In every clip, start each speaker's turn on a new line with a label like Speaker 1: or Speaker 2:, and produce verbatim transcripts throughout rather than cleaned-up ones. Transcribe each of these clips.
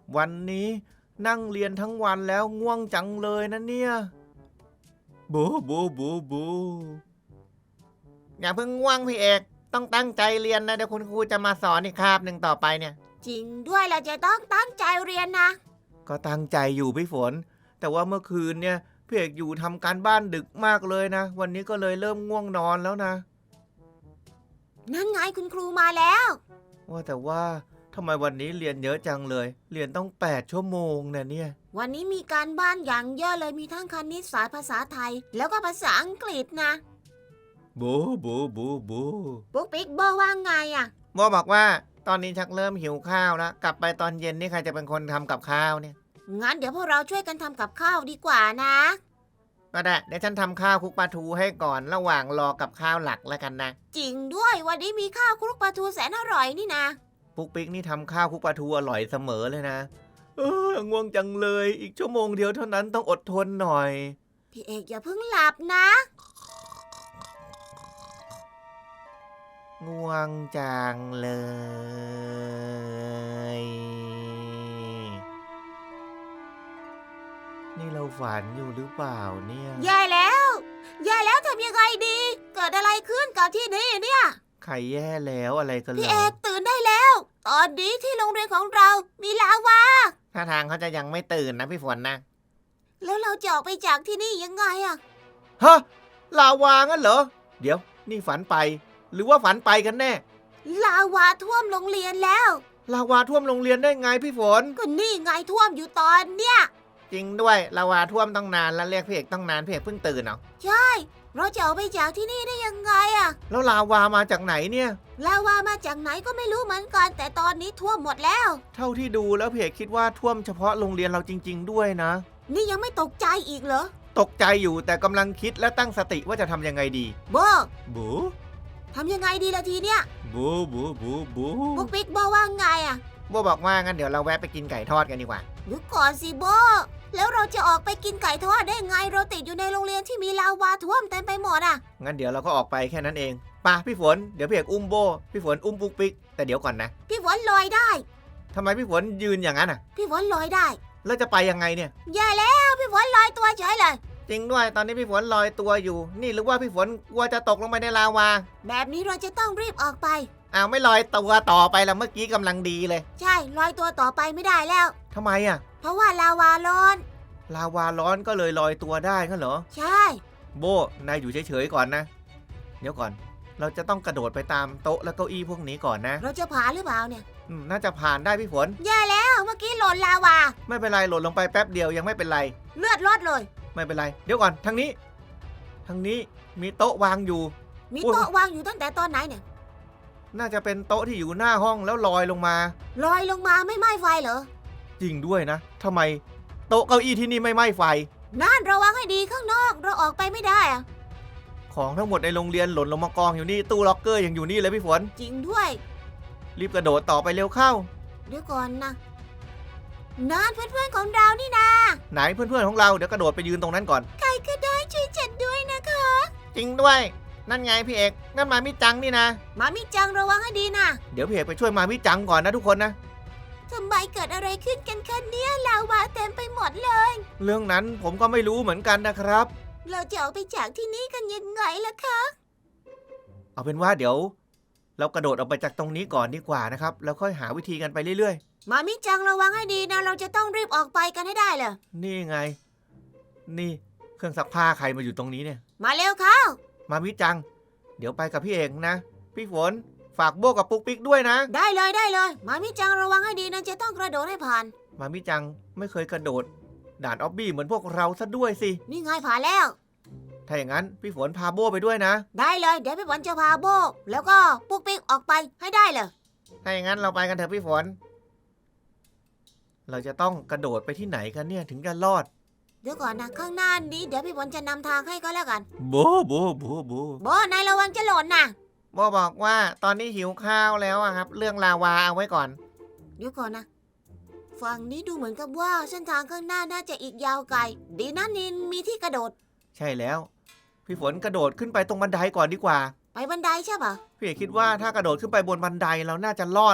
Speaker 1: วันนี้นั่งเรียนทั้งวันแล้วง่วงจังเลยนะเนี่ยบูบูบูบูอย่าเพิ่งง่วงพี่เอกต้องตั้งใจเรียนนะเดี๋ยวคุณครูจะมาสอนอีกคาบหนึ่งต่อไปเนี่ย
Speaker 2: จริงด้วยเราจะต้องตั้งใจเรียนนะ
Speaker 1: ก็ตั้งใจอยู่พี่ฝนแต่ว่าเมื่อคืนเนี่ยพี่เอกอยู่ทำการบ้านดึกมากเลยนะวันนี้ก็เลยเริ่มง่วงนอนแล้วนะ
Speaker 2: นั่นไงคุณครูมาแล้ว
Speaker 1: ว่าแต่ว่าทำไมวันนี้เรียนเยอะจังเลยเรียนต้องแปดชั่วโมงนะเนี่ย
Speaker 2: วันนี้มีการบ้านอย่างเยอะเลยมีทั้งคณิตศาสตร์ภาษาไทยแล้วก็ภาษาอังกฤษนะ
Speaker 1: บูบูบูบู
Speaker 2: ปุ๊กปิ๊กโบว่าไงอ่ะ
Speaker 1: โบบอกว่าตอนนี้ชักเริ่มหิวข้าวแล้วกลับไปตอนเย็นนี่ใครจะเป็นคนทำกับข้าวเนี่ย
Speaker 2: งั้นเดี๋ยวพวกเราช่วยกันทำกับข้าวดีกว่านะ
Speaker 1: ก็ได้เดี๋ยวฉันทำข้าวคลุกปลาทูให้ก่อนระหว่างรอกับข้าวหลักแล้วกันนะ
Speaker 2: จริงด้วยวันนี้มีข้าวคลุกปลาทูแสนอร่อยนี่นะ
Speaker 1: ปุ๊กปิ๊กนี่ทำข้าวคลุกปลาทูอร่อยเสมอเลยนะเออง่วงจังเลยอีกชั่วโมงเดียวเท่านั้นต้องอดทนหน่อย
Speaker 2: พี่เอกอย่าเพิ่งหลับนะ
Speaker 1: ง่วงจังเลยนี่เราฝันอยู่หรือเปล่าเนี่ย
Speaker 2: แย่แล้วแย่แล้วทำยังไงดีเกิดอะไรขึ้นกับที่นี่เนี่ย
Speaker 1: ใครแย่แล้วอะไรกันเหรอ
Speaker 2: พี่เอกตื่นได้แล้วตอนนี้ที่โรงเรียนของเรามีลาวา
Speaker 1: ถ้าทางเขาจะยังไม่ตื่นนะพี่ฝนนะ
Speaker 2: แล้วเราจะออกไปจากที่นี่ยังไงอะ
Speaker 1: ฮะลาวางั้นเหรอเดี๋ยวนี่ฝันไปหรือว่าฝันไปกันแน่
Speaker 2: ลาวาท่วมโรงเรียนแล้ว
Speaker 1: ลาวาท่วมโรงเรียนได้ไงพี่ฝน
Speaker 2: ก็นี่ไงท่วมอยู่ตอนเนี้ย
Speaker 1: จริงด้วยลาวาท่วมต้องนานแล้วเรียกพี่เอกต้องนานพี่เอกเพิ่งตื่นเหรอ
Speaker 2: ใช่เราจะออกไปจากที่นี่ได้ยังไงอะ
Speaker 1: แล้วลาวามาจากไหนเนี่ย
Speaker 2: ลาวามาจากไหนก็ไม่รู้เหมือนกันแต่ตอนนี้ท่วมหมดแล้ว
Speaker 1: เท่าที่ดูแล้วพี่เอกคิดว่าท่วมเฉพาะโรงเรียนเราจริงๆด้วยนะ
Speaker 2: นี่ยังไม่ตกใจอีกเหรอ
Speaker 1: ตกใจอยู่แต่กำลังคิดและตั้งสติว่าจะทำยังไงดี
Speaker 2: โบ
Speaker 1: บู
Speaker 2: ทำยังไงดีละทีเนี้ย
Speaker 1: บูบูบูบู
Speaker 2: ปุ๊กปิ๊กโบว่าไงอะ
Speaker 1: โบบอกว่างั้นเดี๋ยวเราแวะไปกินไก่ทอดกันดีกว่า
Speaker 2: เดี๋ยวก่อนสิโบแล้วเราจะออกไปกินไก่ทอดได้ไงเราติดอยู่ในโรงเรียนที่มีลาวาท่วมเต็มไปหมดอะ
Speaker 1: งั้นเดี๋ยวเราก็ออกไปแค่นั้นเองป่ะพี่ฝนเดี๋ยวพี่เอกอุ้มโบพี่ฝนอุ้มปุ๊กปิ๊กแต่เดี๋ยวก่อนนะ
Speaker 2: พี่ฝนลอยได้
Speaker 1: ทำไมพี่ฝนยืนอย่างนั้นอ่ะ
Speaker 2: พี่ฝนลอยได้
Speaker 1: แล้วจะไปยังไงเนี่ย
Speaker 2: แย่แล้วพี่ฝนลอยตัวเฉยเลย
Speaker 1: จริงด้วยตอนนี้พี่ฝนลอยตัวอยู่นี่หรือว่าพี่ฝนกลัวจะตกลงไปในลาวา
Speaker 2: แบบนี้เราจะต้องรีบออกไป
Speaker 1: อ้าวไม่ลอยตัวต่อไปแล้วเมื่อกี้กำลังดีเลย
Speaker 2: ใช่ลอยตัวต่อไปไม่ได้แล้ว
Speaker 1: ทำไมอ่ะ
Speaker 2: เพราะว่าลาวาร้อน
Speaker 1: ลาวาร้อนก็เลยลอยตัวได้งั้นเหรอ
Speaker 2: ใช่
Speaker 1: โบนายอยู่เฉยๆก่อนนะเดี๋ยวก่อนเราจะต้องกระโดดไปตามโต๊ะและเก้าอี้พวกนี้ก่อนนะ
Speaker 2: เราจะผ่านหรือเปล่าเนี่ย
Speaker 1: อืมน่าจะผ่านได้พี่ฝน
Speaker 2: แย่แล้วเมื่อกี้หล่นลาวา
Speaker 1: ไม่เป็นไรหล่นลงไปแป๊บเดียวยังไม่เป็นไร
Speaker 2: เลือดลดเลย
Speaker 1: ไม่เป็นไรเดี๋ยวก่อนทางนี้ทางนี้มีโต๊ะวางอยู่
Speaker 2: มีโต๊ะวางอยู่ตั้งแต่ตอนไหนเนี่ย
Speaker 1: น่าจะเป็นโต๊ะที่อยู่หน้าห้องแล้วลอยลงมา
Speaker 2: ลอยลงมาไม่ไหม้ไฟเหรอ
Speaker 1: จริงด้วยนะทำไมโต๊ะเก้าอี้ที่นี่ไม่ไหม้ไฟ
Speaker 2: นั่นระวังให้ดีข้างนอกเราออกไปไม่ได้อะ
Speaker 1: ของทั้งหมดในโรงเรียนหล่นลงมากองอยู่นี่ตู้ล็อกเกอร์ยังอยู่นี่เลยพี่ฝน
Speaker 2: จริงด้วย
Speaker 1: รีบกระโดดต่อไปเร็วเข้า
Speaker 2: เดี๋ยวก่อนนะนั่นเพื่อนๆของเรานี่นะ
Speaker 1: ไหนเพื่อนๆของเราเดี๋ยวกระโดดไปยืนตรงนั้นก่อน
Speaker 2: ใครก็ได้ช่วยฉันด้วยนะคะ
Speaker 1: จริงด้วยนั่นไงพี่เอกนั่นมามิจังนี่นะ
Speaker 2: มามิจังระวังให้ดีนะ
Speaker 1: เดี๋ยวพี่เอกไปช่วยมามิจังก่อนนะทุกคนนะ
Speaker 2: ทำไมเกิดอะไรขึ้นกันคะเนี่ยลาวาเต็มไปหมดเลย
Speaker 1: เรื่องนั้นผมก็ไม่รู้เหมือนกันนะครับ
Speaker 2: เราจะออกไปจากที่นี่กันยังไงล่ะคะ
Speaker 1: เอาเป็นว่าเดี๋ยวเรากระโดดออกไปจากตรงนี้ก่อนดีกว่านะครับแล้วค่อยหาวิธีกันไปเรื่อย
Speaker 2: ๆมามิจังระวังให้ดีนะเราจะต้องรีบออกไปกันให้ได้เลย
Speaker 1: นี่ไงนี่เครื่องซักผ้าใครมาอยู่ตรงนี้เนี่ย
Speaker 2: มาเร็วเข้า
Speaker 1: มามิจังเดี๋ยวไปกับพี่เอกนะพี่ฝนฝากโบกับปุ๊กปิ๊กด้วยนะ
Speaker 2: ได้เลยได้เลยมามิจังระวังให้ดีนะจะต้องกระโดดให้ผ่าน
Speaker 1: มามิจังไม่เคยกระโดดด่านออบบี้เหมือนพวกเราซะด้วยสิ
Speaker 2: นี่ไงผ่านแล้ว
Speaker 1: ถ้าอย่างนั้นพี่ฝนพาโบไปด้วยนะ
Speaker 2: ได้เลยเดี๋ยวพี่ฝนจะพาโบแล้วก็ปุ๊กปิ๊กออกไปให้ได้เลย
Speaker 1: ถ้าอย่างนั้นเราไปกันเถอะพี่ฝนเราจะต้องกระโดดไปที่ไหนกันเนี่ยถึงจะรอด
Speaker 2: เดี๋ยวก่อนนะข้างหน้านี้เดี๋ยวพี่ฝนจะนำทางให้ก็แล้วกัน
Speaker 1: โบโบโบโบ
Speaker 2: โบนายระวังจะหล่นนะ
Speaker 1: โบบอกว่าตอนนี้หิวข้าวแล้วอะครับเรื่องลาวาเอาไว้ก่อน
Speaker 2: เดี๋ยวก่อนนะฝั่งนี้ดูเหมือนกับว่าเส้นทางข้างหน้าน่าจะอีกยาวไกลดีนะนินมีที่กระโดด
Speaker 1: ใช่แล้วพี่ฝนกระโดดขึ้นไปตรงบันไดก่อนดีกว่า
Speaker 2: ไปบันไดใช่ปะ
Speaker 1: พี่คิดว่าถ้ากระโดดขึ้นไปบนบันไดเราน่าจะรอดนะ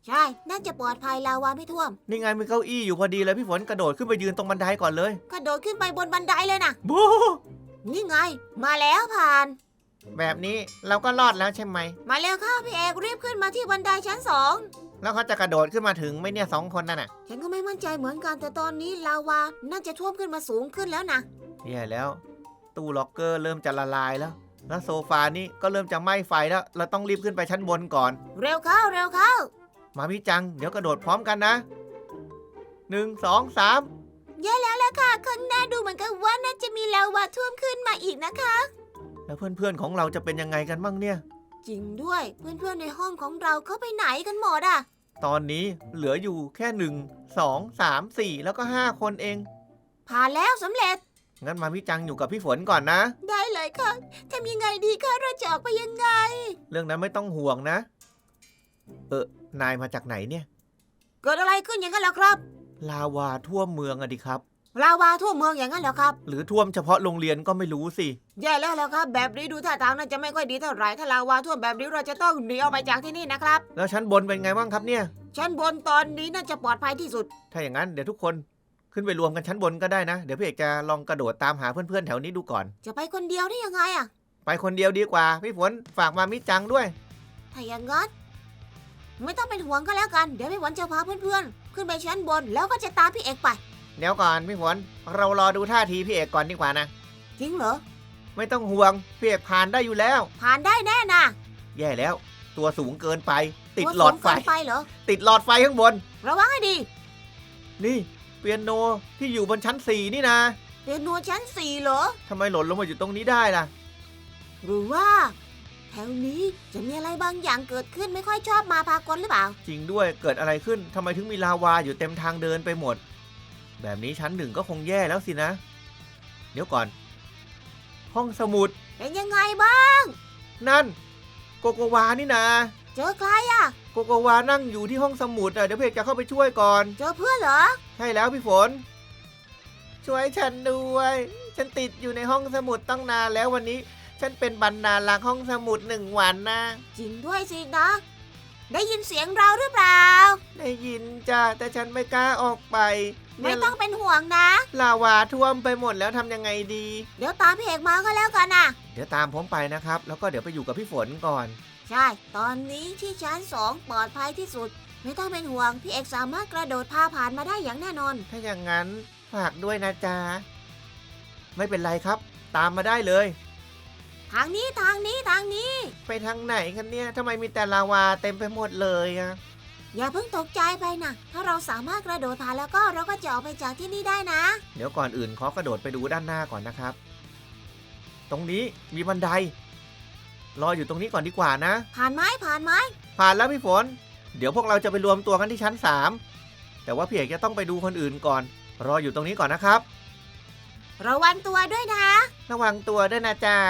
Speaker 2: ใช่น่าจะปลอดภัยลาวาไม่ท่วม
Speaker 1: นี่ไงมีเก้าอี้อยู่พอดีเลยพี่ฝนกระโดดขึ้นไปยืนตรงบันไดก่อนเลย
Speaker 2: กระโดดขึ้นไปบนบันไดเลยนะ
Speaker 1: บู
Speaker 2: นี่ไง มาแล้วผ่าน
Speaker 1: แบบนี้เราก็รอดแล้วใช่ไหม
Speaker 2: มาเร็วเข้าพี่เอกรีบขึ้นมาที่บันไดชั้นสอง
Speaker 1: แล้วเขาจะกระโดดขึ้นมาถึงไหมเนี่ยสองคนนั่นน่ะ
Speaker 2: ฉันก็ไม่มั่นใจเหมือนกันแต่ตอนนี้ลาวาน่าจะท่วมขึ้นมาสูงขึ้นแล้วนะ
Speaker 1: แย่แล้ว ตู้ล็อกเกอร์เริ่มจะละลายแล้ว แล้วโซฟานี่ก็เริ่มจะไหม้ไฟแล้ว เราต้องรีบขึ้นไปชั้นบนก่อน
Speaker 2: เร็วเข้าเร็วเข้า
Speaker 1: มามิจัง เดี๋ยวกระโดดพร้อมกันนะหนึ่งสองสาม
Speaker 2: แย่แล้วล่ะค่ะข้างหน้าดูเหมือนกับว่าน่าจะมีลาวาท่วมขึ้นมาอีกนะคะ
Speaker 1: แล้วเพื่อนๆของเราจะเป็นยังไงกันบ้างเนี่ย
Speaker 2: จริงด้วยเพื่อนๆในห้องของเราเขาไปไหนกันหมดอ่ะ
Speaker 1: ตอนนี้เหลืออยู่แค่หนึ่งสองสามสี่แล้วก็ห้าคนเอง
Speaker 2: ผ่านแล้วสำเร็จ
Speaker 1: งั้นมามิจังอยู่กับพี่ฝนก่อนนะ
Speaker 2: ได้เลยค่ะทำยังไงดีคะเราจะออกไปยังไง
Speaker 1: เรื่องนั้นไม่ต้องห่วงนะ เออนายมาจากไหนเนี่ย
Speaker 2: เกิดอะไรขึ้นอย่างนั้นเหรอครับ
Speaker 1: ลาวาท่วมเมืองอะดิครับ
Speaker 2: ลาวาทั่วเมืองอย่างนั้นเหรอครับ
Speaker 1: หรือท่วมเฉพาะโรงเรียนก็ไม่รู้สิ
Speaker 2: แย่แล้วแล้วครับ แบบนี้ดูท่าทางน่าจะไม่ค่อยดีเท่าไหร่ถ้าลาวาท่วมแบบนี้เราจะต้องหนีออกไปจากที่นี่นะครับ
Speaker 1: แล้วชั้นบนเป็นไงบ้างครับเนี่ย
Speaker 2: ชั้นบนตอนนี้น่าจะปลอดภัยที่สุด
Speaker 1: ถ้าอย่างนั้นเดี๋ยวทุกคนขึ้นไปรวมกันชั้นบนก็ได้นะ เดี๋ยวพี่เอกจะลองกระโดดตามหาเพื่อนๆแถวนี้ดูก่อน
Speaker 2: จะไปคนเดียวได้ยังไงอะ
Speaker 1: ไปคนเดียวดีกว่า พี่ฝนฝากมามิจังด้วย
Speaker 2: ถ้าอย่างนั้นไม่ต้องเป็นห่วงก็แล้วกันเดี๋ยวพี่หวันจะพาเพื่อนๆขึ้นไปชั้นบนแล้วก็จะตามพี่เอกไป
Speaker 1: เดี๋ยวก่อนพี่ฝนเรารอดูท่าทีพี่เอกก่อนดีกว่านะ
Speaker 2: จริงเหรอ
Speaker 1: ไม่ต้องห่วงพี่เอกผ่านได้อยู่แล้ว
Speaker 2: ผ่านได้แน่นะ
Speaker 1: แย่แล้ว ตัวสูงเกินไป ติดหลอดไฟ
Speaker 2: ตัวสูงเกินไปเหรอ
Speaker 1: ติดหลอดไฟข้างบน
Speaker 2: ระวังให้ดี
Speaker 1: นี่เปียโนที่อยู่บนชั้นสี่นี่นะ
Speaker 2: เปียโนชั้นสี่เหรอ
Speaker 1: ทำไมหล่นลงมาอยู่ตรงนี้ได้ล่ะ
Speaker 2: หรือว่าแถวนี้จะมีอะไรบางอย่างเกิดขึ้นไม่ค่อยชอบมาพากลหรือเปล่า
Speaker 1: จริงด้วยเกิดอะไรขึ้นทำไมถึงมีลาวาอยู่เต็มทางเดินไปหมด แบบนี้ชั้นหนึ่งก็คงแย่แล้วสินะ เดี๋ยวก่อน ห้องสมุด
Speaker 2: เป็นยังไงบ้าง
Speaker 1: นั่น โกโกวานี่นะ
Speaker 2: เจอใครอะ
Speaker 1: โกโกวานั่งอยู่ที่ห้องสมุดอ่ะเดี๋ยวพี่เอกจะเข้าไปช่วยก่อน
Speaker 2: เจอเพื่อนเหรอ
Speaker 1: ใช่แล้วพี่ฝน ช่วยฉันด้วย ฉันติดอยู่ในห้องสมุดตั้งนานแล้ววันนี้ ฉันเป็นบรรณารักษ์ห้องสมุดหนึ่งวันนะ
Speaker 2: จริงด้วยสินะ ได้ยินเสียงเราหรือเปล่า
Speaker 1: ได้ยินจ้าแต่ฉันไม่กล้าออกไป
Speaker 2: ไม่ต้องเป็นห่วงนะ
Speaker 1: ลาวาท่วมไปหมดแล้วทำยังไงดี
Speaker 2: เดี๋ยวตามพี่เอกมาก็แล้วกันนะ
Speaker 1: เดี๋ยวตามผมไปนะครับ แล้วก็เดี๋ยวไปอยู่กับพี่ฝนก่อน
Speaker 2: ใช่ ตอนนี้ที่ชั้นสองปลอดภัยที่สุด ไม่ต้องเป็นห่วง พี่เอกสามารถกระโดดพาผ่านมาได้อย่างแน่นอน
Speaker 1: ถ้าอย่างนั้นฝากด้วยนะจ๊ะ ไม่เป็นไรครับ ตามมาได้เลย
Speaker 2: ทางนี้ทางนี้ทางนี้
Speaker 1: ไปทางไหนกันเนี่ยทำไมมีแต่ลาวาเต็มไปหมดเลยอะ
Speaker 2: อย่าเพิ่งตกใจไปนะถ้าเราสามารถกระโดดผ่านแล้วก็เราก็จะออกไปจากที่นี่ได้นะ
Speaker 1: เดี๋ยวก่อนอื่นขอกระโดดไปดูด้านหน้าก่อนนะครับ ตรงนี้มีบันได รออยู่ตรงนี้ก่อนดีกว่านะ
Speaker 2: ผ่านไหมผ่านไหม
Speaker 1: ผ่านแล้วพี่ฝน เดี๋ยวพวกเราจะไปรวมตัวกันที่ชั้นสามแต่ว่าพี่เอกจะต้องไปดูคนอื่นก่อน รออยู่ตรงนี้ก่อนนะครับ
Speaker 2: ระวังตัวด้วยนะ
Speaker 1: ระวังตัวด้วยนะจ๊ะ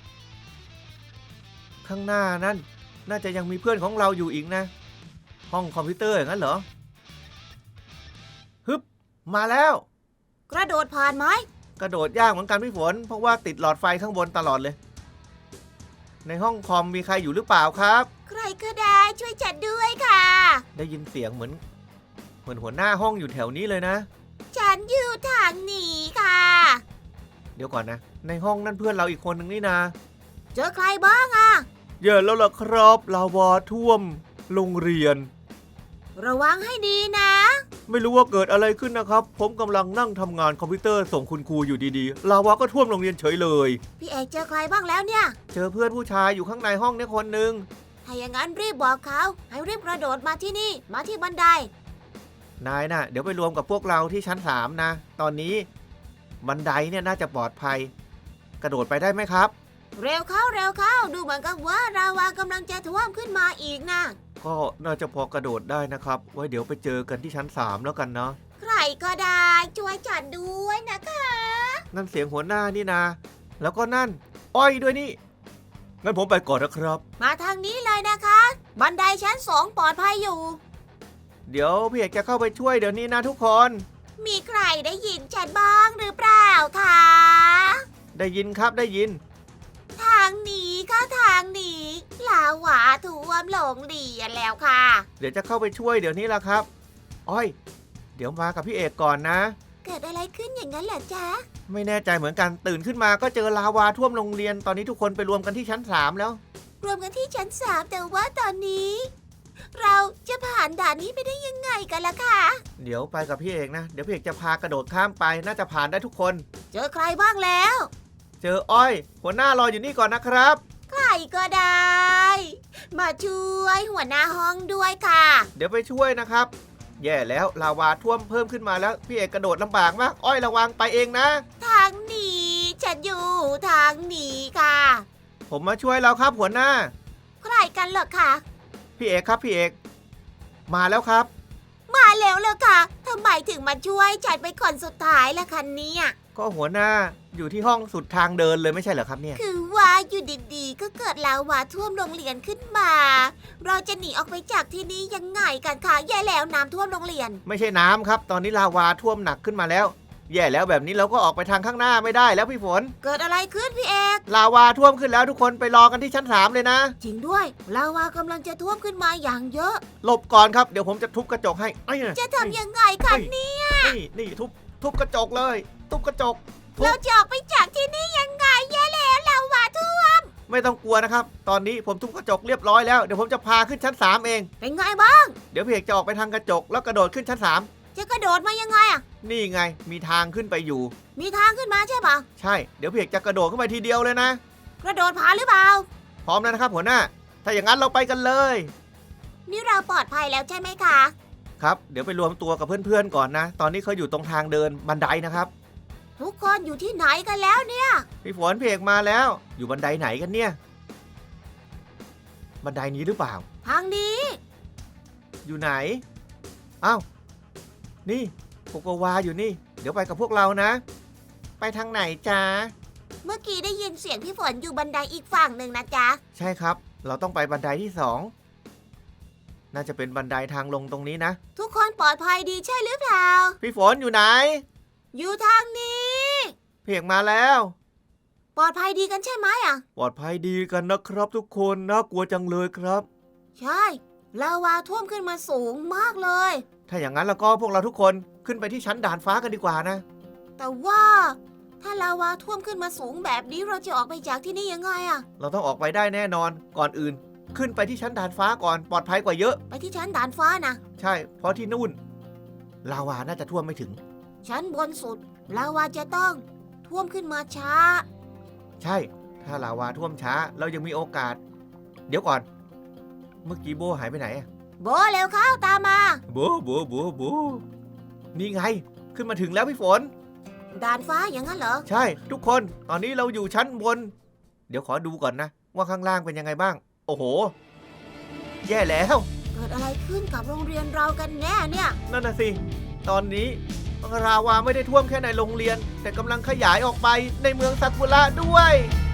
Speaker 1: ข้างหน้านั่นน่าจะยังมีเพื่อนของเราอยู่อีกนะ ห้องคอมพิวเตอร์อย่างนั้นเหรอ ฮึบ มาแล้ว
Speaker 2: กระโดดผ่านไหม
Speaker 1: กระโดดยากเหมือนกันพี่ฝน เพราะว่าติดหลอดไฟข้างบนตลอดเลย ในห้องคอมมีใครอยู่หรือเปล่าครับ
Speaker 2: ใครก็ได้ช่วยจัดด้วยค่ะ
Speaker 1: ได้ยินเสียงเหมือน เหมือนหัวหน้าห้องอยู่แถวนี้เลยนะ
Speaker 2: ฉันอยู่ทางนี้ค่ะ
Speaker 1: เดี๋ยวก่อนนะ ในห้องนั่นเพื่อนเราอีกคนหนึ่งนี่นะ
Speaker 2: เจอใครบ้างอะ
Speaker 1: เยอะแล้วล่ะครับลาวาท่วมโรงเรียน
Speaker 2: ระวังให้ดีนะ
Speaker 1: ไม่รู้ว่าเกิดอะไรขึ้นนะครับ ผมกำลังนั่งทำงานคอมพิวเตอร์ส่งคุณครูอยู่ดีๆลาวาก็ท่วมโรงเรียนเฉยเลย
Speaker 2: พี่เอกเจอใครบ้างแล้วเนี่ย
Speaker 1: เจอเพื่อนผู้ชายอยู่ข้างในห้องเนี่ยคนหนึ่ง
Speaker 2: ถ้าอย่างนั้นรีบบอกเขาให้รีบกระโดดมาที่นี่มาที่บันได
Speaker 1: นายน่ะเดี๋ยวไปรวมกับพวกเราที่ชั้นสามนะ ตอนนี้บันไดเนี่ยน่าจะปลอดภัย กระโดดไปได้ไหมครับ
Speaker 2: เร็วเข้าเร็วเข้าดูเหมือนกับว่าลาวากำลังจะท่วมขึ้นมาอีกนะ
Speaker 1: ก็น่าจะพอกระโดดได้นะครับ ไว้เดี๋ยวไปเจอกันที่ชั้นสามแล้วกันเนาะ
Speaker 2: ใครก็ได้ช่วยจัดด้วยนะคะ
Speaker 1: นั่นเสียงหัวหน้านี่นะ แล้วก็นั่น อ้อยด้วยนี่ งั้นผมไปก่อนนะครับ
Speaker 2: มาทางนี้เลยนะคะ บันไดชั้นสองปลอดภัยอยู่
Speaker 1: เดี๋ยวพี่เอกจะเข้าไปช่วยเดี๋ยวนี้นะทุกคน
Speaker 2: มีใครได้ยินฉันบ้างหรือเปล่าคะ
Speaker 1: ได้ยินครับได้ยิน
Speaker 2: ทางนี้คะทางหนีลาวาท่วมโรงเรียนแล้วค่ะ
Speaker 1: เดี๋ยวจะเข้าไปช่วยเดี๋ยวนี้ละครับอ้อย เดี๋ยวมากับพี่เอกก่อนนะ
Speaker 2: เกิดอะไรขึ้นอย่างนั้นเหรอจ๊ะ
Speaker 1: ไม่แน่ใจเหมือนกันตื่นขึ้นมาก็เจอลาวาท่วมโรงเรียนตอนนี้ทุกคนไปรวมกันที่ชั้นสามแล้ว
Speaker 2: รวมกันที่ชั้นสามแต่ว่าตอนนี้ เราจะผ่านด่านนี้ไปได้ยังไงกันล่ะคะ
Speaker 1: เดี๋ยวไปกับพี่เอกนะเดี๋ยวพี่เอกจะพากระโดดข้ามไปน่าจะผ่านได้ทุกคน
Speaker 2: เจอใครบ้างแล้ว
Speaker 1: เจออ้อย หัวหน้ารออยู่นี่ก่อนนะครับ
Speaker 2: ใครก็ได้ มาช่วยหัวหน้าห้องด้วยค่ะ
Speaker 1: เดี๋ยวไปช่วยนะครับ แย่แล้วลาวาท่วมเพิ่มขึ้นมาแล้วพี่เอกกระโดดลำบากมากอ้อยระวังไปเองนะ
Speaker 2: ทางหนีฉันอยู่ทางหนีค่ะ
Speaker 1: ผมมาช่วยแล้วครับหัวหน้า
Speaker 2: ใครกันเหรอคะ
Speaker 1: พี่เอกครับพี่เอกมาแล้วครับ
Speaker 2: มาแล้วเหรอคะทำไมถึงมาช่วยฉันเป็นคนสุดท้ายล่ะคะเนี่ย
Speaker 1: ก็หัวหน้าอยู่ที่ห้องสุดทางเดินเลยไม่ใช่เหรอครับเนี่ย
Speaker 2: คือว่าอยู่ดีๆ ก็เกิดลาวาท่วมโรงเรียนขึ้นมา เราจะหนีออกไปจากที่นี่ยังไงกันคะแย่แล้วน้ำท่วมโรงเรียน
Speaker 1: ไม่ใช่น้ำครับ ตอนนี้ลาวาท่วมหนักขึ้นมาแล้ว แย่แล้วแบบนี้เราก็ออกไปทางข้างหน้าไม่ได้แล้วพี่ฝน
Speaker 2: เกิดอะไรขึ้นพี่เอก
Speaker 1: ลาวาท่วมขึ้นแล้วทุกคนไปรอกันที่ชั้นสามเลยนะ
Speaker 2: จริงด้วยลาวากำลังจะท่วมขึ้นมาอย่างเยอะ
Speaker 1: หลบก่อนครับเดี๋ยวผมจะทุบกระจกให้ไอ้ย
Speaker 2: จะทำยังไงคะเนี่ย
Speaker 1: นี่นี่ทุบทุบกระจกเลย ทุบกระจก ทุบ
Speaker 2: เราจะออกไปจากที่นี่ยังไงแย่แล้วลาวาท่วม
Speaker 1: ไม่ต้องกลัวนะครับ ตอนนี้ผมทุบกระจกเรียบร้อยแล้วเดี๋ยวผมจะพาขึ้นชั้นสามเอง
Speaker 2: เป็นไงบ้าง
Speaker 1: เดี๋ยวพี่เอกจะออกไปทางกระจกแล้วกระโดดขึ้นชั้นสาม
Speaker 2: จะกระโดดมายังไงอะ
Speaker 1: นี่ไงมีทางขึ้นไปอยู่
Speaker 2: มีทางขึ้นมาใช่ปะ
Speaker 1: ใช่เดี๋ยวพี่เอกจะกระโดดขึ้นไปทีเดียวเลยนะ
Speaker 2: กระโดดผาหรือเปล่า
Speaker 1: พร้อมแล้วนะครับหัวหน้า ถ้าอย่างนั้นเราไปกันเลย
Speaker 2: นี่เราปลอดภัยแล้วใช่ไหมคะ
Speaker 1: ครับเดี๋ยวไปรวมตัวกับเพื่อนๆก่อนนะ ตอนนี้เขาอยู่ตรงทางเดินบันไดนะครับ
Speaker 2: ทุกคนอยู่ที่ไหนกันแล้วเนี่ย
Speaker 1: พี่ฝนพี่เอกมาแล้ว อยู่บันไดไหนกันเนี่ย บันไดนี้หรือเปล่า
Speaker 2: ทางนี้
Speaker 1: อยู่ไหนอ้าวนี่โกโกวาอยู่นี่ เดี๋ยวไปกับพวกเรานะ ไปทางไหนจ๊ะ
Speaker 2: เมื่อกี้ได้ยินเสียงพี่ฝนอยู่บันไดอีกฝั่งหนึ่งนะจ๊ะ
Speaker 1: ใช่ครับ เราต้องไปบันไดที่สองน่าจะเป็นบันไดทางลงตรงนี้นะ
Speaker 2: ทุกคนปลอดภัยดีใช่หรือเปล่า
Speaker 1: พี่ฝนอยู่ไหน
Speaker 2: อยู่ทางนี้
Speaker 1: พี่เอกมาแล้ว
Speaker 2: ปลอดภัยดีกันใช่ไหมอ่ะ
Speaker 1: ปลอดภัยดีกันนะครับทุกคนน่ากลัวจังเลยครับ
Speaker 2: ใช่ลาวาท่วมขึ้นมาสูงมากเลย
Speaker 1: ถ้าอย่างนั้นแล้วก็พวกเราทุกคนขึ้นไปที่ชั้นด่านฟ้ากันดีกว่านะ
Speaker 2: แต่ว่าถ้าลาวาท่วมขึ้นมาสูงแบบนี้เราจะออกไปจากที่นี่ยังไงอ่ะ
Speaker 1: เราต้องออกไปได้แน่นอนก่อนอื่น ขึ้นไปที่ชั้นด่านฟ้าก่อนปลอดภัยกว่าเยอะ
Speaker 2: ไปที่ชั้นด่านฟ้านะ
Speaker 1: ใช่เพราะที่นู่นลาวาน่าจะท่วมไม่ถึง
Speaker 2: ชั้นบนสุดลาวาจะต้องท่วมขึ้นมาช้า
Speaker 1: ใช่ถ้าลาวาท่วมช้าเรายังมีโอกาส เดี๋ยวก่อน เมื่อกี้โบหายไปไหนอะ
Speaker 2: โบเร็วเข้าตามมา
Speaker 1: โบโบโบโบนี่ไง ขึ้นมาถึงแล้วพี่ฝน
Speaker 2: ด่านฟ้าอย่างนั้นเหรอ
Speaker 1: ใช่ทุกคนตอนนี้เราอยู่ชั้นบน เดี๋ยวขอดูก่อนนะ ว่าข้างล่างเป็นยังไงบ้าง โอ้โห แย่แล้ว
Speaker 2: เกิดอะไรขึ้นกับโรงเรียนเรากันแน่เนี่ย
Speaker 1: นั่นน่ะสิ ตอนนี้ราวาไม่ได้ท่วมแค่ในโรงเรียน แต่กำลังขยายออกไปในเมืองซากุระด้วย